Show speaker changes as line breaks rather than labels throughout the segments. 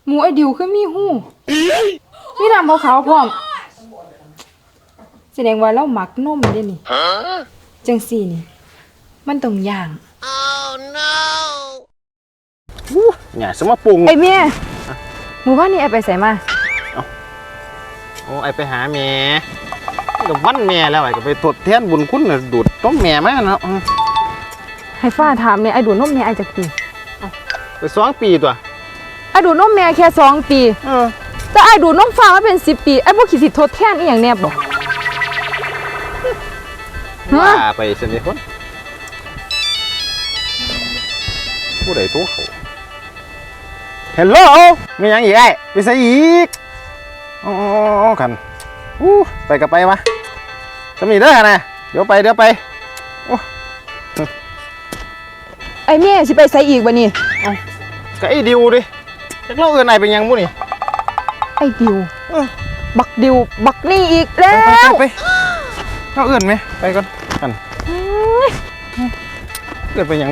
หมูไอ้ดิวคือมีหูมีน้ำขาวๆพร้อมแสดงว่าเราหมักนมเด้นี่จังสี่นี่มันต้องย่าง
เนี่ยสมมาปรุง
ไอ้เมียหมู่บ้านนี้ไอ้ไปใส่มา
โอ้ไอไปหาแม่กับวันแม่แล้วไอ้ก็ไปทดแทนบุญคุณน่ะดูดต้มแม่มาเนาะ
ให้ฟ้าถามเนี่ยไอ้ดูดนมเนี่ยไอ้จักปี
ไป2 ปีตัว
ไอ้ดูดนมแม่แค่2 ปีแต่ไอ้ดูดนมฟ้ามาเป็น10 ปีไอ้พวกขี้สิทดแทนอีหยังแนบบ่
ว่าไปสนิทคนผู้ใดตัวเขาฮัลโหลมียังอีกไอ้ไปใส่อีกอ๋อกันไปกับไปวะจะมีเด้อนะเดี๋ยวไป
ไอ้เมียสิไปใส่อีกบ่นี่
ก็ไอ้ดิวดิจักเล่าเอื่นไหนเป็นยังบุนี่
ไอ้ดิวบักดิวบักนี่อีกแล้ว
ไปเล่าเอื่นไหมไปก่อนกันเกิดเป็นยัง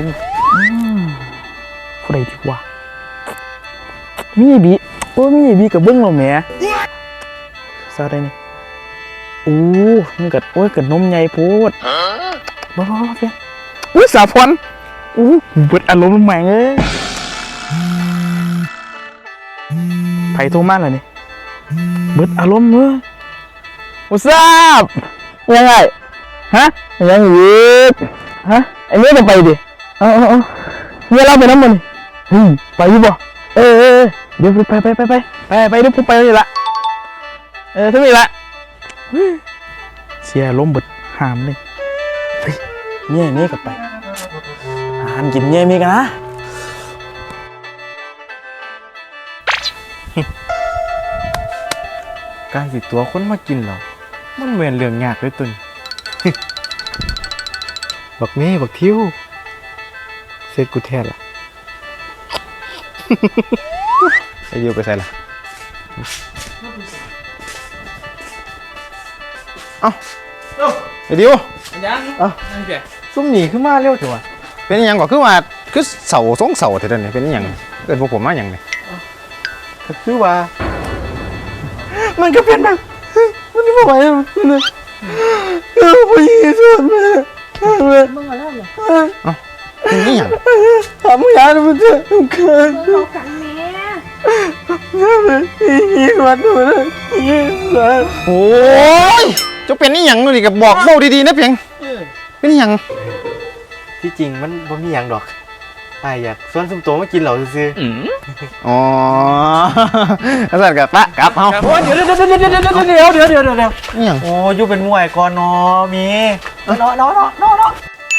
ผู้ใดดีกว่ามีบีมีบีกับเบิ้งเราแหมซาได้นี่โอ้มันกัดกัดนมใหญ่โพดบ้าเพี้ยสาพรเบิดอารมณ์ใหม่เลยไผ่โทรมาแล้วนี่เบิดอารมณ์เลยโอ้ทราบยังไงฮะยังอีกฮะไอ้เมียจะไปดิเมียเราไปน้ำมันไปอยู่บ่เดี๋ยวไปเดี๋ยวผมไปเลยละทั้งนี้ละเสียล้มเบิดหามเลยเนี่ยกับไปหามกินเนี่ยมีกันนะการสิตัวคนมากินเหรอมันเหมือนเรื่องยากเลยตุนบักเม่บักทิวเสร็จกูแท้ละ
ไอ้ดิวไปใส่ละไอ้ดิว
ยัง
ซุ่มหนีขึ้นมาเร็วจังวะเป็นยังก็คือว่าคือเสาสองเสาเท่านั้นเป็นยังเกิดพวกผมมาอย่างนี้
คือว่ามันก็เป็นแบบมันไม่ไหวแล้วมันผู้หญิงสุดเลย
มึงเอาแล้วเหรอ
นี่อย่าง
ทำงานมันจะเกิน
เอากันแม่
นี่มันยี่กว่าตัวเลยยี่กว่า
โอ้ยจะเป็นนี่อย่างนี่กับบอกเบาดีๆนะเพียงเป็นนี่อย่าง
ที่จริงมันบ่มีอย่างดอกอยากส่วนสมโตมากินเหล่าซื้อ
อ๋ออาจารย์กับปะกับเอา
เดี๋ยว
นี่อย่าง
โอ้ยูเป็นมวยก่อนเนาะมีเนาะ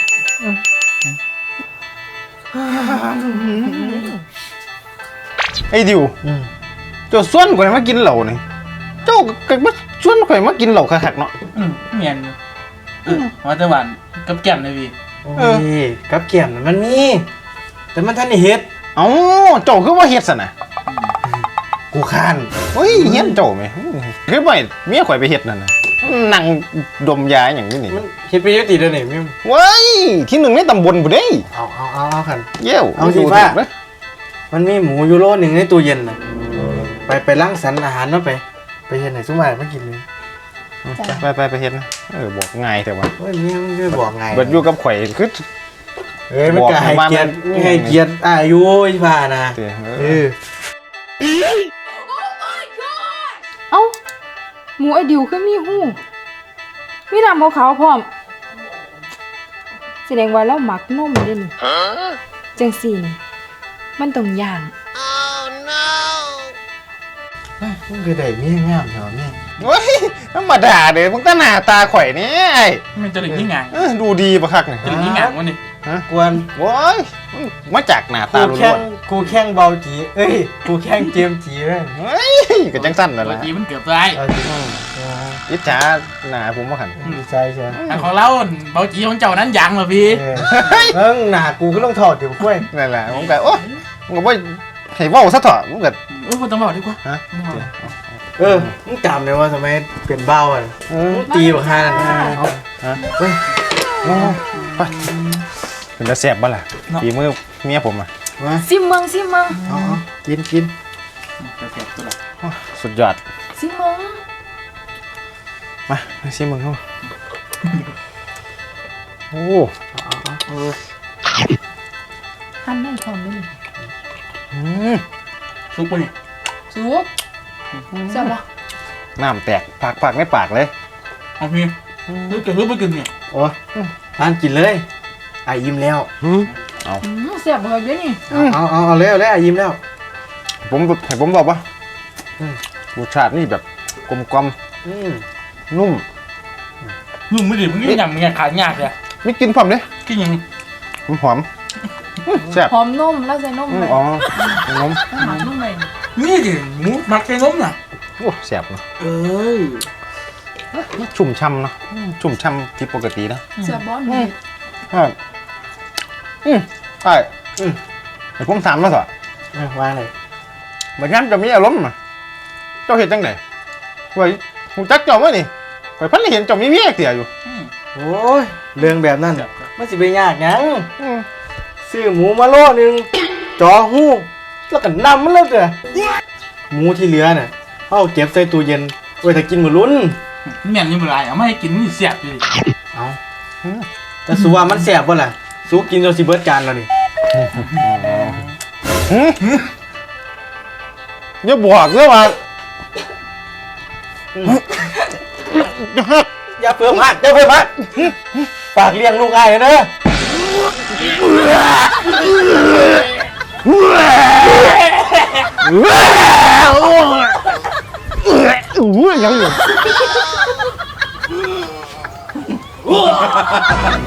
ไอ้ดิวเจ้าส่วนข่อยมากินเหล่านี่เจ้าก็มาส่วนข่อยมากินเหล่าคักๆเนาะ
เมียนว่าแต่หวานกับแก้มเลยพี่
กับแก้มมันมีแต่มันท่านเฮ็ด
เอ้าเจ้าคือว่าเฮ็ดซะนะ
กูข้าน
เฮ้ยเฮ็ดเจ้าไหมคือบ่เมียข่อยไปเฮ็ดนั่นน่ะนั่งดมยาอย่างนี้นี่
เฮ็ดไปเยอะติเด้อนี่มิ
เว้ยที่1ในตำบลบ่ได้
เอาคัน
เย้ว
เอาสิว่ามันมีหมูยูโร1ในตู้เย็นน่ะไปล้างสรรอาหารเนาะไปเฮ็ดให้ซุม่ามากินเลย
ไปเฮ็ดนะบอกง่ายแต่ว่า
เฮ้ยเมียมึงจะบอกง่าย
เบิดอยู่กับข่อยคือ
มันก็ให้เกียรติอายุอีฟ้านะ
เอ้าหมูไอ้ดิวคือมีหูมีน้ำขาวๆพร้อมแสดงว่าเราหมักนมเด้นี่จังสี่นี่มันต้องย่าง
มึงคือได้เมียงามเหรอเมีย
เฮ้ยธรรมดาเด้มึงตาหน้าตาข่อยนี่ไอ้
มันจะหลีกที่งาน
ดูดีปะคักนี่
จะหลีกที่งานวะนี่
กวน
โว้ยมาจากหน้าตาล้วน
กูแข้งเบาจีกูแข้งเจียมจีเลย
เฮ้ยก็จังสั้นนั่นแหละ
จีมันเกือบตาย
อิจฉาหน้าผมว่าขัน
ใช่ใช่
ของเราเบาจีของเจ้านั้นยังเหรอพี่
หน้ากูก็ต้องถอดเดี๋ยวกล้วย
นั่นแหละผมก็โอ้ผมก็บ่ให้เว้าซะเถอะผมก็
ไม่ต้องบอกดีกว่า
มึงจำเลยว่าทำไมเปลี่ยนเบ้าอ่ะตีแบบฮาน
ไปเป็นจะแสบบ้าล่ะตีมือเมียผมอ่ะ
ซิมเมือง
กิน
จะเสียบตัวละ
สุดยอด
ซิมึง
มาชิมมึงเข้าโอ้
หั่นได้พร้อมเลย
อืม
ซุปปะเนี่ย
สุกแซ่บปะ
น้ำแตกปากในปากเลย
เอาพี่ซุปกับซุปไปกินเนี่ย
โอ้ยทานกินเลยไอ้ยิ้มแล้ว
แซ่บแบบนี้นี่
เอาเลยไอ้ยิ้มแล้ว
ให้ผมบอกว่ารูชาตินี่แบบกลมกลอม
อืม
นุ่ม
นุ่มไม่ดิบมึงนี่ยำมึงขายยากเลย
ไม่กินพร้อมเลย
กินยัง
หอมแซ่บ
หอมนมแล้วใส่นมไป
อ๋อน้ม
หอมนมไป
นี่ดิหมูหมักใส่นมน่ะ
โอ้แซ่บเนาะ
เอ้ย
ชุ่มช่ำเนาะชุ่มช่ำผิดปกตินะ
แซ่บบอสนี่
ใช่ไอ้ผมถามมาสิ
ว่าเลย
บัดย้ำจะมีอารมณ์อ่ะเจ้าเห็นจังไดไว้หูจักเจ้ามั้ยนี่ไว้พันเห็นเจ้ามีเมียเสียอยู่
โอ้ยเรื่องแบบนั้นมันสิไปยากหยัง
อืม
ซื้อหมูมาโลนึงจอหู้แล้วก็นำมันแล้วเด้อหมูที่เหลือน่ะเอาเก็บใส่ตู้เย็นไว้ถ้ากินมื้อลุ้น
แม่นยังไม่ไรเอาไม่ให้กินนี่เสียบอยู่ดิ
เอาแต่สูว่ามันแสบบ่ล่ะสูกินจนสิเบิดจานแล้วนี่
อย่าบอกเลยว่า
อย่าเพิ่มหักฝากเลี้ยงลูกอ้ายเด้อ
ยังอยู่